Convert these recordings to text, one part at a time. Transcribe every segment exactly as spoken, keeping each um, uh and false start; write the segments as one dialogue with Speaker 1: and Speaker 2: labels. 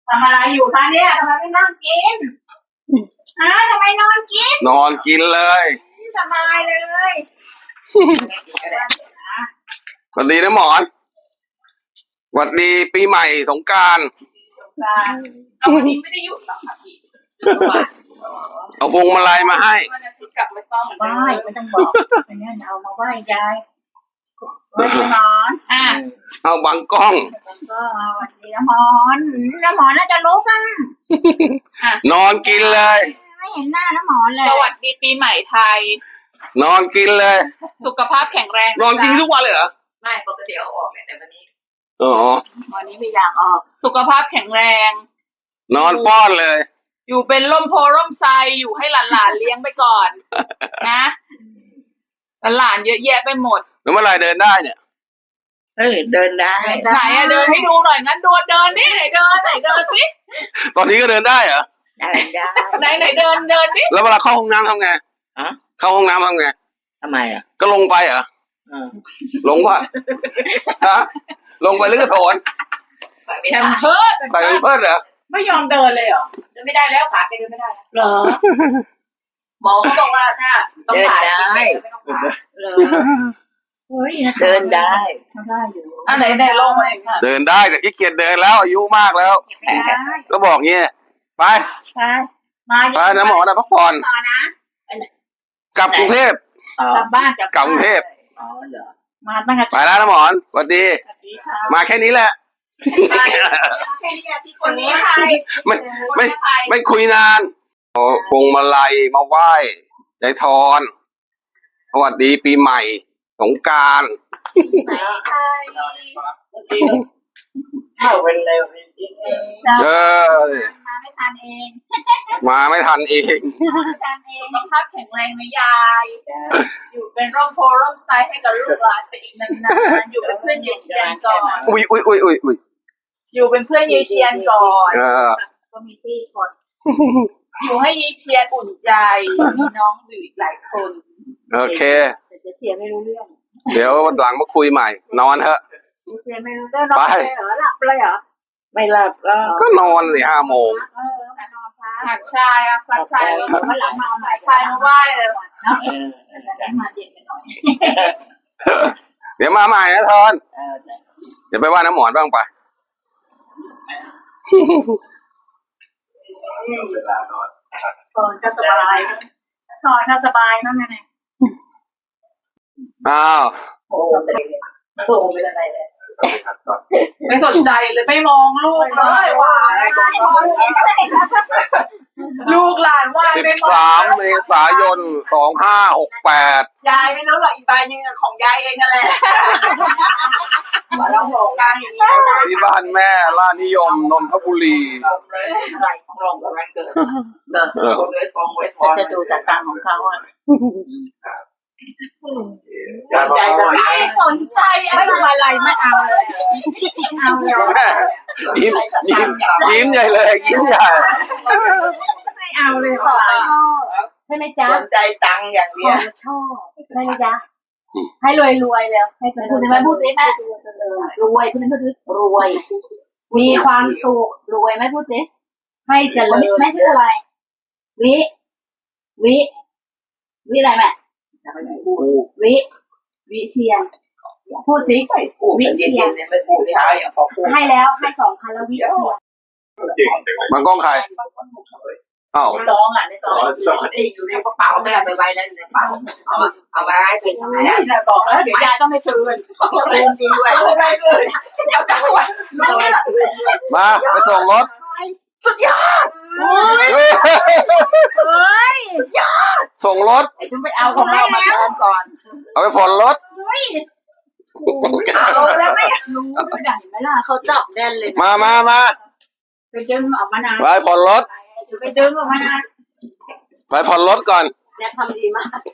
Speaker 1: ทำอะไรอยู่คะเนี่ยทำไมไม่นั่งกินฮะทำไมนอนกิน
Speaker 2: นอนกินเลย
Speaker 1: สบายเลย
Speaker 2: สวัสดีนะหมอนสวัสดีปีใหม่สงกรานต์
Speaker 1: เอาวันนี้ไม่ได้หยุดหรอกค่ะพี่
Speaker 2: เอาพวงมาลัยมาให้
Speaker 1: กลับไม่ต้องไหว้ไม่ต้องบอกอันนี้เอามาไหว้ยายไหว้นอนอ่ะ
Speaker 2: เอาบังกล้อง
Speaker 1: ก็วันนี้น้ำมอนน้ำหมอนน่าจะรู้กัน
Speaker 2: นอนกินเลย
Speaker 1: ไม่เห็นหน้าน้ำหมอนเลย
Speaker 3: สวัสดีปีใหม่ไทย
Speaker 2: นอนกินเลย
Speaker 3: สุขภาพแข็งแรง
Speaker 2: นอนกินทุกวันเลยเหรอ
Speaker 3: ไม่ปกติเอาออกแต่วันนี้
Speaker 2: อ๋อ
Speaker 1: วันนี้ไม่อยากออก
Speaker 3: สุขภาพแข็งแรง
Speaker 2: นอนป้อนเลย
Speaker 3: อยู่เป็นร่มโพร่มไทรอยู่ให้หลานๆเลี้ยงไปก่อนนะหลานเยอะแยะไปหมด
Speaker 2: แล้วเมื่อไรเดินได้เนี่ย
Speaker 1: เออเดินได้
Speaker 3: ไหนอะเดินให้ดูหน่อยงั้นดูเดินนี่ไหนเดินไหนเดินสิ
Speaker 2: ตอนนี้ก็เดินได้เหรอ
Speaker 1: เดินได้
Speaker 3: ไหนไหนเดินเดินนี่
Speaker 2: แล้วเวลาเข้าห้องน้ำทำไง
Speaker 1: อะ
Speaker 2: เข้าห้องน้ำทำไง
Speaker 1: ทำไมอ่ะ
Speaker 2: ก็ลงไปเหรอลงป่ะฮะลงไปหรือกระโถน
Speaker 3: แฮมเพิร์ด
Speaker 2: ใส่เพิร์ดเหรอ
Speaker 3: ไม่ยอมเดินเลยเหรอเดินไม่ได้แล้วขาแกเดินไม่ได้
Speaker 1: เหรอ
Speaker 3: หมอเขาบอกว่าถ้าต้องผ่าได้ไม่ต้องผ่า
Speaker 1: เฮ้ยเดินได้ได้อยู่
Speaker 3: อันไหนไหนลงมา
Speaker 2: เดินได้แต่ขี้เกียจเดินแล้วอายุมากแล้วก็บอกเงี้ยไป
Speaker 1: ไปมา
Speaker 2: ไปนะหมอนะพักผ่อนกลับกรุงเทพ
Speaker 1: กลับบ้าน
Speaker 2: กลับกรุงเทพ
Speaker 1: อ๋อเหรอมาตั้งแต่
Speaker 2: ไปแล้วนะหมอนสวัสดีมาแค่นี้แหละ
Speaker 3: แค่นี้แหละที่คนนี้ใคร
Speaker 2: ไม่ไม่ไม่คุยนานเอาพวงมาลัยมาไหว้ยายทอนสวัสดีปีใหม่สงกรานต์
Speaker 1: เข้าไปเร็ว
Speaker 2: เออ
Speaker 1: มาไม่ทันเอง
Speaker 2: มาไม่ทันเอง
Speaker 3: สุขภาพแข็งแรงนะยายอยู่เป็นร่มโพร่มไทรให้กับลูกหลานไปอีกนานๆอยู่เป็นเพื่อนยายเชียนก่อน
Speaker 2: อุ้ยอุ้ยอุ้ยอุ้ยอุ้ย
Speaker 3: อยู่เป็นเพื่อนยายเชียนก่อน
Speaker 1: ก็มีที่คน
Speaker 3: อยู่ให้ยายเชียนอุ่นใจมีน้องอยู่อีกหลายคน
Speaker 2: โอเค
Speaker 1: แต่จะเสียไม่รู้เรื่อง
Speaker 2: เดี๋ยวหลังมาคุยใหม่นอนเถอะ
Speaker 1: เสียไม่รู้เรื่องนอนเลยเหรอหลับเลยเหรอไม่หลับก็
Speaker 2: ก็นอนสิห้าโมง
Speaker 3: หักชายอ่ะหักชายมาหลังมาหักชายมาไหว้เลย
Speaker 1: มาเย็นไปหน่อย
Speaker 2: เดี๋ยวมาใหม่นะทอนเดี๋ยวไปว่าน้ำหมอนบ้างไป
Speaker 1: ตอนก็สบายตอนก็สบายนั่นไง
Speaker 2: อ้าว
Speaker 1: ส่งไปอะไรเลย
Speaker 3: ไม่สนใจเลยไม่มองลูกเลยว่าลูกหลานว่า
Speaker 2: สิบสามเมษายนสองห้าหกแปด
Speaker 3: ยายไม่รู้หรอกอีกใบนึงของยายเองนั่นแหละมาลองโหงกันอย่างนี้
Speaker 2: ที่บ้านแม่ล่านิยมนนทบุรี
Speaker 1: อะไรของลงกับวันเกิดเดินคนเลยฟองไว้พอจะดูจากตังของเขาอ่ะสนใจไม่สนใจไม่ทำอะไรไม่เอาเลยเอาเลย
Speaker 2: ยิ้มยิ้มยิ้มใหญ่เลยยิ้มใหญ่
Speaker 1: ไม่เอาเลยขอชอบใช่ไหมจ๊ะ
Speaker 3: สนใจตังอย่างเดียว
Speaker 1: ชอบใช่ไหมจ๊ะให้รวยรวยแล้วให้จะ
Speaker 3: คุณแม่พูดสิแม่
Speaker 1: รวยคุณแม่พูดสิรวยมีความสุขรวยไหมพูดสิให้เจริญแม่ชื่ออะไรวิวิวิอะไรแม่วิวิเชียนพูดสิ
Speaker 3: วิเชียนไม่พูดช้าอย่างพอพูด
Speaker 1: ให้แล้วให้สองพันแล้ววิเชียน
Speaker 2: บางกล้องใครอ้าว
Speaker 3: ซองอ่ะในซองอยู่ในกระเป๋าแม่ไปไว้นั่นในกระเป๋าเอาเอาไว้เป็นอะไร
Speaker 1: นะบอกแล้วเดี๋ยวยายก็ไม่คืน
Speaker 3: คืนจริงด้วยไม่ได้คืนเดี๋ยวจะ
Speaker 2: มาไปส่งรถ
Speaker 3: สุดยอด
Speaker 1: เฮ้ย
Speaker 3: สุดยอด
Speaker 2: ส่งรถ
Speaker 1: ไอ้คุณไปเอาของเรามาแทนก่อน
Speaker 2: เอาไปผ่อนรถ
Speaker 1: เอาแล้วไม่รู้ไม่ได้ไหมล่ะ
Speaker 3: เขาจับแน่นเลย
Speaker 2: มามามา
Speaker 1: ไปดึงออกมานาน
Speaker 2: ไปผ่อนรถ
Speaker 1: ไปดึงออกมานาน
Speaker 2: ไปผ่อนรถก่อน
Speaker 3: เนี่ยทำดีมาก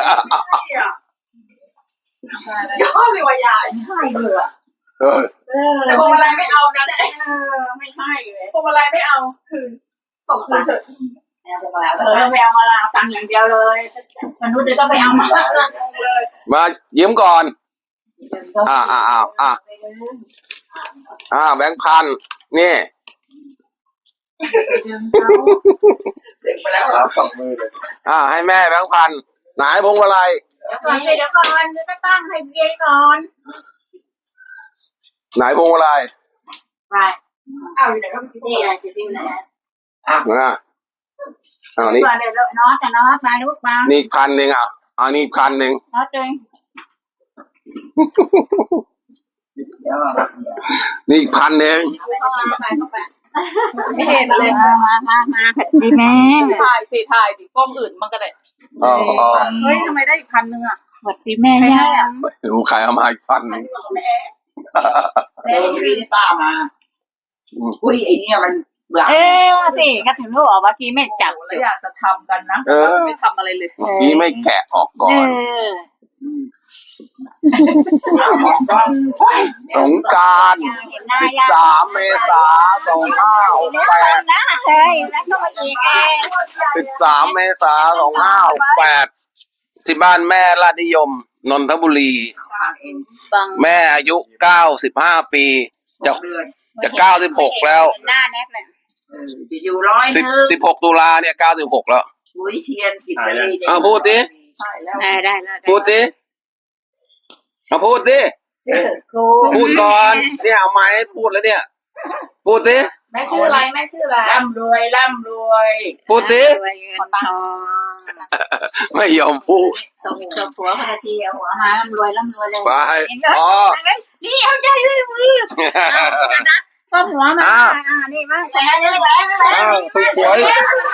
Speaker 3: ยอดเลยว่ะยาย
Speaker 1: ให้เลยอ่ะ
Speaker 3: แต่พวงมาลัยไม่เอานะเนี่ย
Speaker 1: ไม่ให้เลย
Speaker 3: พวงมาลัยไม่เอาคือส่งคืนเฉย
Speaker 1: แมวมาแล้วเออแมวมาแล้วตังอย่างเดียวเลยมนุษย์จะต้องไปเอามา
Speaker 2: เลยมายิ้มก่อนอ่าอ่าอ่าอ่าอ่าแบงค์พันนี่
Speaker 3: ดึงเขา
Speaker 4: เด็กไปแล้วครับสองมือเลย
Speaker 2: อ่าให้แม่แบงค์พันไหนพวงมาลัย
Speaker 3: เดี๋ยวก่อนสิเดี๋ยวก่อนจะไปตั้งให้เบียร์ก่อน
Speaker 2: ไหนพวงมาลัย
Speaker 1: ไปเอาอยู่ไหนก็นี่ไงจะดิ้นไหน
Speaker 2: อ่ะเอานี่
Speaker 3: ก่อนเดี๋ยวน้องจะน้องมาลูกมา
Speaker 2: นี่อีกพันหนึ่งอ่ะเอานี่อีกพันหนึ่ง
Speaker 3: น้องเจง
Speaker 4: เดี๋ยว
Speaker 2: นี่อีกพันหนึ่ง
Speaker 1: เข้ามาไปเข้าไป
Speaker 3: ไม่เห็นเลย
Speaker 1: มามามามาดีแม่
Speaker 3: ถ่ายสิถ่ายดิกล้องอื่นมันก็ได้
Speaker 2: อ๋ออ๋อ
Speaker 3: เฮ้ยทำไมได้อีกพันหนึ่งอ่ะ
Speaker 1: สวัสดีแม่ย่า
Speaker 2: ดูใครเอามาอีกพันหนึ่ง
Speaker 4: เดี๋ยวพี่นี่ป้ามาอุ้ยไอเนี่ยมันหลัง
Speaker 1: เออสิก็ถึงรู้ออกเมื่อกี้ไม่จับ
Speaker 3: แล้วอยากจะทำกันนะไม่ทำอะไรเลย
Speaker 2: เมื่อกี้ไม่แกะออกก่อ
Speaker 1: เอน อ
Speaker 2: สงกรานต์
Speaker 1: เห็นหน้า
Speaker 2: สิบ
Speaker 1: ย่า
Speaker 2: สามเมษาสองห้าหกแปด
Speaker 1: นะเฮ้ยแล้วก็มาอีกเอง
Speaker 2: สิบสามเมษาสองห้าหกแปดที่บ้านแม่ลาดนิยม นนทบุรี
Speaker 1: บัง
Speaker 2: แม่อายุเก้าสิบห้าปี จะ
Speaker 4: เดือน
Speaker 2: จะเก้าสิบหกแล้ว
Speaker 1: หน้าแนบเลย
Speaker 4: จะอยู่ร้อย
Speaker 2: สิบ
Speaker 4: นึง
Speaker 2: สิบหกตุลาเนี่ยเก้าสิบหกแล้ว
Speaker 4: อุ้ยเทียนสิบสี่
Speaker 2: เอาพูดดิ
Speaker 4: ใช่แล้ว
Speaker 1: ได้ได้ได้
Speaker 2: พูดดิมาพูดดิ
Speaker 4: ชื่อครู
Speaker 2: พูดก่อนเนี่ยเอาไม้พูดแล้วเนี่ย พูดดิ
Speaker 3: แม่ชื่ออะไรแม่ชื่ออะไร
Speaker 4: ร่ำรวยร่ำรวย
Speaker 2: พูดดิ
Speaker 1: รวยเงินทอง
Speaker 2: ไม่ยอมพูด
Speaker 1: ส่งส่งผัวคนละทีเอาหัวมาร่ำรวยร่ำรวยเลย
Speaker 2: ไปอ๋อ
Speaker 1: นี่เอาใจเลยมือก็หัวมาอ่านี่มาแหวนแหวน
Speaker 2: อ้าวถูกหวย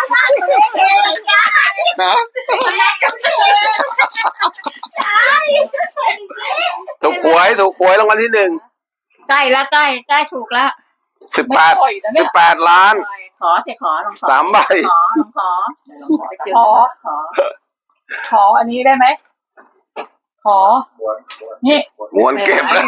Speaker 2: นะ ถูกหวยถูกหวยรางวัลที่หนึ่ง
Speaker 1: ใกล้แล้วใกล้ใกล้ถูกแล้ว
Speaker 2: สิบแปดสิบแปดล้าน
Speaker 1: ขอสิขอลองขอ
Speaker 2: สามใบ
Speaker 1: ขอลองขอ
Speaker 3: ขอ
Speaker 1: ขอ
Speaker 3: ขออันนี้ได้ไหมขอนี่
Speaker 2: ม้วนเก็บแล้ว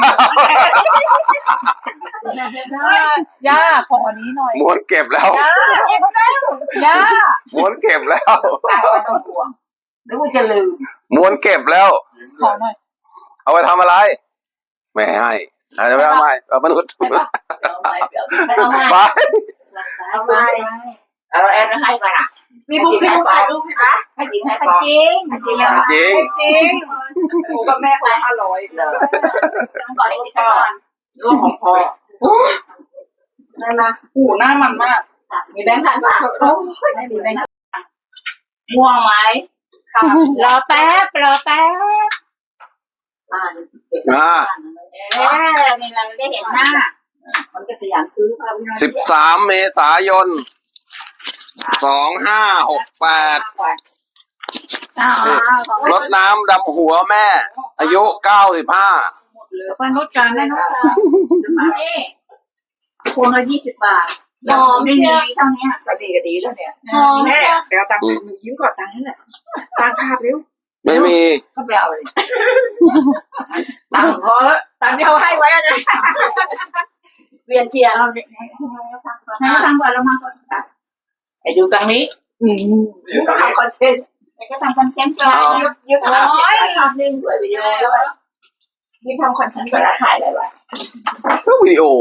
Speaker 3: ย่าขออันนี้หน่อย
Speaker 2: ม้วนเก็บแล้ว
Speaker 3: ย่าย่า
Speaker 2: ม้วนเก็บแล้ว
Speaker 4: ป้าไม่ต้องห่วงหรือว่าจะลืม
Speaker 2: ม้วนเก็บแล้ว
Speaker 3: ขอหน่อย
Speaker 2: เอาไปทำอะไร ไม่ให้เอาไปทำไมเอามนุษย์
Speaker 3: ไปปะ
Speaker 4: เอาไปเดี๋ยว
Speaker 1: ไปเอามา
Speaker 2: ไป
Speaker 1: เอาไป
Speaker 4: เอาแอนให้ไปอ่ะ
Speaker 3: มีบุ๊กมีบุ๊กถ่ายรูปไหมคะ
Speaker 4: ให้จริงให้
Speaker 1: จ
Speaker 4: พอ
Speaker 1: ริง
Speaker 4: ให้จริง
Speaker 2: จริง
Speaker 3: จริงหนูกับแม่คนห้าร้อยเลย
Speaker 1: ต้องก่อนอีกก่อน
Speaker 4: เรื่องของพ่อ
Speaker 3: นั่นนะหูหน้ามันมาก
Speaker 1: มีแบงค์พันบาทไม่มีแบงค์
Speaker 4: ม่วงไหม
Speaker 3: ค่ะ
Speaker 1: รอแป๊บรอแป๊บ
Speaker 4: อ่า
Speaker 2: อ่า
Speaker 1: เออนี่เราได้เห็นหน้า
Speaker 4: มันก็ขยันซื้อค่ะพี่น้อง
Speaker 2: สิบสามเมษายนสองห้าหกแปด
Speaker 1: อ๋อ
Speaker 2: รดน้ำดำหัวแม่ อายุเก้าสิบห้า
Speaker 1: เหลือพนุษย์กันนะนุษย์นี่พวงละยี่สิบบาทยอมไม่มีเท่านี้
Speaker 4: ก็ดีก็ดีแล้วเนี่ย
Speaker 1: หอม
Speaker 4: แม่เดี๋ยวตังค์หนูยิ้มก่อนตังค์นั่นแหละตังค์ภาพเร็ว
Speaker 2: ไม่มี
Speaker 4: ก็ไปเอาเลยตังค์พอตังค์ที่เขาให้ไว้อะเนี่ย
Speaker 1: เวียนเทียนเราให้ทำก่อนเรามาก่อน
Speaker 4: ไอ้ดูตังค์นี้อืมทำคอนเทนต์
Speaker 1: ก็ทำคอนเทนต์ไป
Speaker 4: ยึดยึดทำคอนเทนต์ทำนิ่งด้วยวิดีโอด้วยยึดทำคอนเทนต์เวลาถ่ายอะไรวะ
Speaker 2: ก็วิดีโอ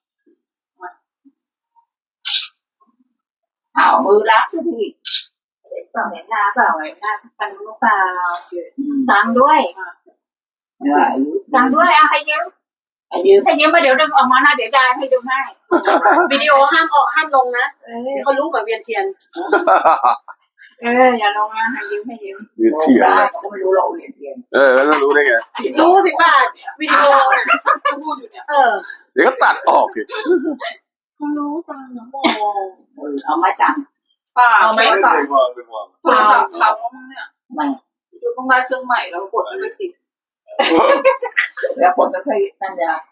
Speaker 4: เอามือรับทุกที
Speaker 1: เปล่าเห็นหน้าเปล่าเห็นหน้าตังค์เปล่าตังค์ด้วยตังค์ด้วยเอาให้ยืม
Speaker 4: อายุ
Speaker 1: ให้ยืมมาเดี๋ยวดึงออกมานะเดี๋ยวยายให้ดูให้
Speaker 3: วิดีโอห้ามออกห้ามลงนะเขารู้แบบเวียนเทียน
Speaker 1: เอออย่าลงนะให้ยืมให้ยืม
Speaker 2: ยืดเถียงเลย
Speaker 4: ก็ไม่รู้เราเรียนเรียน
Speaker 2: เออแล้วจะรู้ได้ไง
Speaker 3: รู้สิบบาทวิดีโอน่ะเขาพูดอยู่เนี่ย
Speaker 1: เออ
Speaker 2: เดี๋ยวก็ตัดออกอีก
Speaker 1: เขารู้ตังค์นะโม
Speaker 4: เอามาจัง
Speaker 3: เปล่าไม่สั่งโทรศัพท์เขามั้งเนี่ย
Speaker 4: ไม่
Speaker 3: อยู่ต้องได้เครื่องใหม่แล้วกดมันไม่ติด
Speaker 4: แล้วคนก็เคยนั่นยา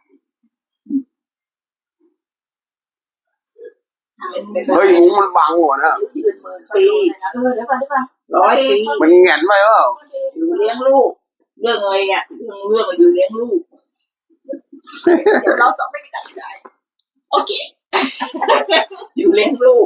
Speaker 2: เฮ้ยมุ้งมันบังหัวนะ
Speaker 4: ยืนหมื่นปี
Speaker 1: เออเดี๋ยวก่อนเดี๋ยวก่อน
Speaker 4: ร้อยปี
Speaker 2: มันแหงนไปเปล่า
Speaker 4: อยู่เลี้ยงลูก เรื่องอะไรอ่ะเรื่องเรื่องอยู่เลี้ยงลูก
Speaker 3: เดี๋ยวเราสองไม่มีตัดใจโอเค
Speaker 4: อยู่เลี้ยงลูก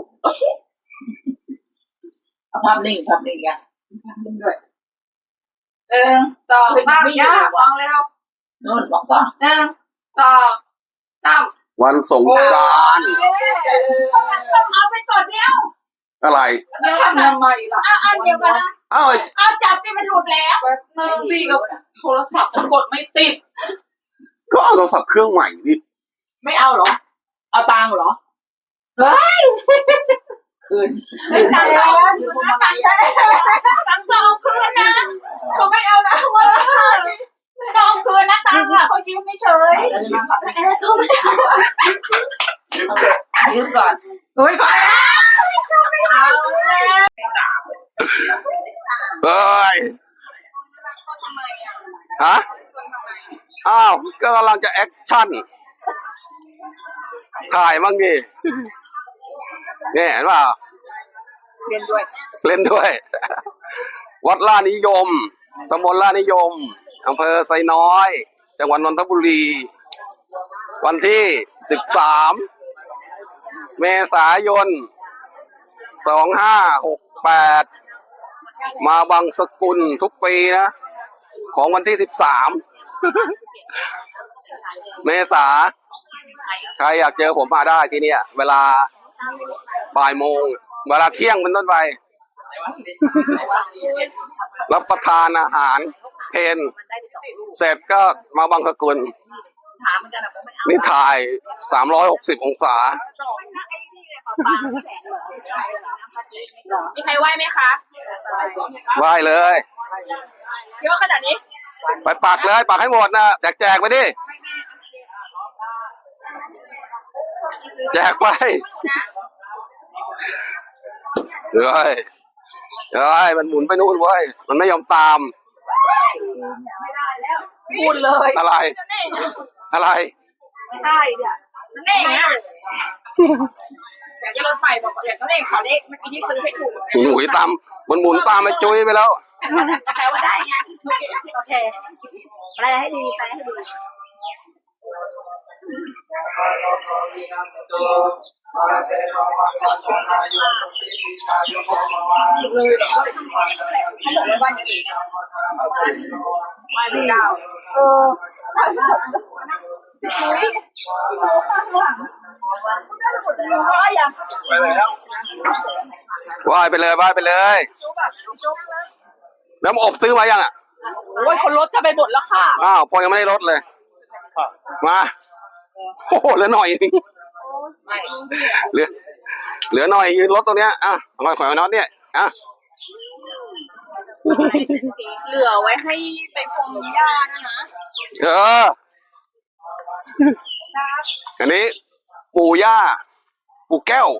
Speaker 4: เอาภาพนิ่งภาพนิ่งอ่ะภาพนิ่งด้วย
Speaker 3: หนึ่งสองสามย่าวางแล้ว
Speaker 4: โน่นบอกว่า
Speaker 3: หนึ่งสองสาม
Speaker 2: วันสงกรานต์
Speaker 1: ต้องเอาไปก่อนเดียว
Speaker 2: อะไร
Speaker 3: แล้วทำทำไมล่ะ
Speaker 1: อ้าวอันเดียวกันนะ
Speaker 2: เอ้าไอ้
Speaker 1: เอาจับที่มันหลุดแล้ว
Speaker 3: แบบนึงสิกับโทรศัพท์กดไม่ติด
Speaker 2: ก็เอาโทรศัพท์เครื่องใหม่ดิ
Speaker 3: ไม่เอาเหรอ เอาตังค์เหรอ
Speaker 4: คืน
Speaker 1: ไม่ตังแล้วอยู่นะตังแล้วตังก็เอาคืนนะเขาไม่เอานะว่าต้องเอาคืนนะตังอ่ะเขายืมไม่เฉย
Speaker 4: แล้วจะมาขับ
Speaker 1: แต่เขาไม่เอา
Speaker 4: ยืมก่อน
Speaker 3: เฮ้ยฟ้า
Speaker 1: เอาแล้ว
Speaker 2: เฮ้ยฮะอ้าวก็กำลังจะแอคชั่นถ่ายบ้างดิเนี่ยเห็นเปล่า
Speaker 3: เรียนด้วย
Speaker 2: เล่นด้วย วัดล่านิยมตำบลล่านิยมอำเภอไซน้อย จังหวัดนนทบุรี วันที่สิบสามเมษายนสองห้าหกแปดมาบางสกุลทุกปีนะ ของวันที่สิบสามเมษาใครอยากเจอผมมาได้ที่เนี่ย เวลาบ่ายโมง เวลาเที่ยงเป็นต้นไป รับประทานอาหารเพนเสร็จก็มาบางสกุล นี่ถ่ายสามร้อยหกสิบองศา
Speaker 3: มีใครไหวไหมคะ
Speaker 2: ไหว้เลย
Speaker 3: เยอะขนาดนี้
Speaker 2: ไปปักเลยปักให้หมดนะแจกแจกไปดิ แจกไปเฮ้ยเฮ้ยมันหมุนไปนู่นเว้ยมันไม่ยอมตาม
Speaker 3: พูดเลย
Speaker 2: อะไร อะไร
Speaker 3: ไม่ใช่เนี่ยนั่นเองเนี่ยอยากจะรถไฟบอกอยากจะเลขขอเลขเมื่อกี้ที่ซื้อให้ถูก
Speaker 2: หมุนตามมันหมุนตามไปจุ้ยไปแล้ว
Speaker 1: แปลว่าได้ไงโอเคแปลให้ดีแปลให้ดี
Speaker 3: เลยแบบเขาบอกว่าบ้านยังดีบ้านเก่าเออก็ยัง
Speaker 2: ไปแล้วว่ายไปเลยว่ายไปเลยแล้วมาอบซื้อมายังอ่ะ
Speaker 3: โอ้ยคนรถจะไปหมดแล้วค่ะ
Speaker 2: อ้าวพอยังไม่ได้ลดเลยมาโอ้โหเหลือหน่อยนึงเหลือเหลือหน่อยยืนรถตรงเนี้ยอ่ะเอามาขอยมาน็อตเนี่ยอ่ะ
Speaker 3: เหลือไว้ให้ไปพรมหญ้านะนะ
Speaker 2: เอออันนี้ปู่ย่าปู่แก้ว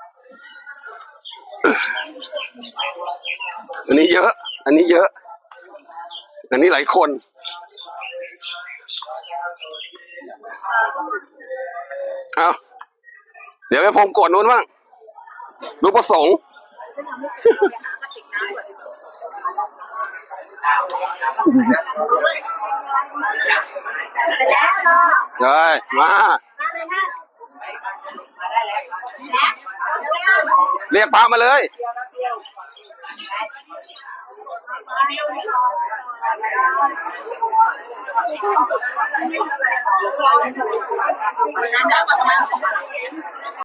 Speaker 2: อันนี้เยอะ อันนี้เยอะ อันนี้หลายคนเอาเดี๋ยวไปพรมกดนู้นบ้างรูปประสงค์เลยมาเรียกพระมาเลย
Speaker 3: ได้มาประมาณสองพัน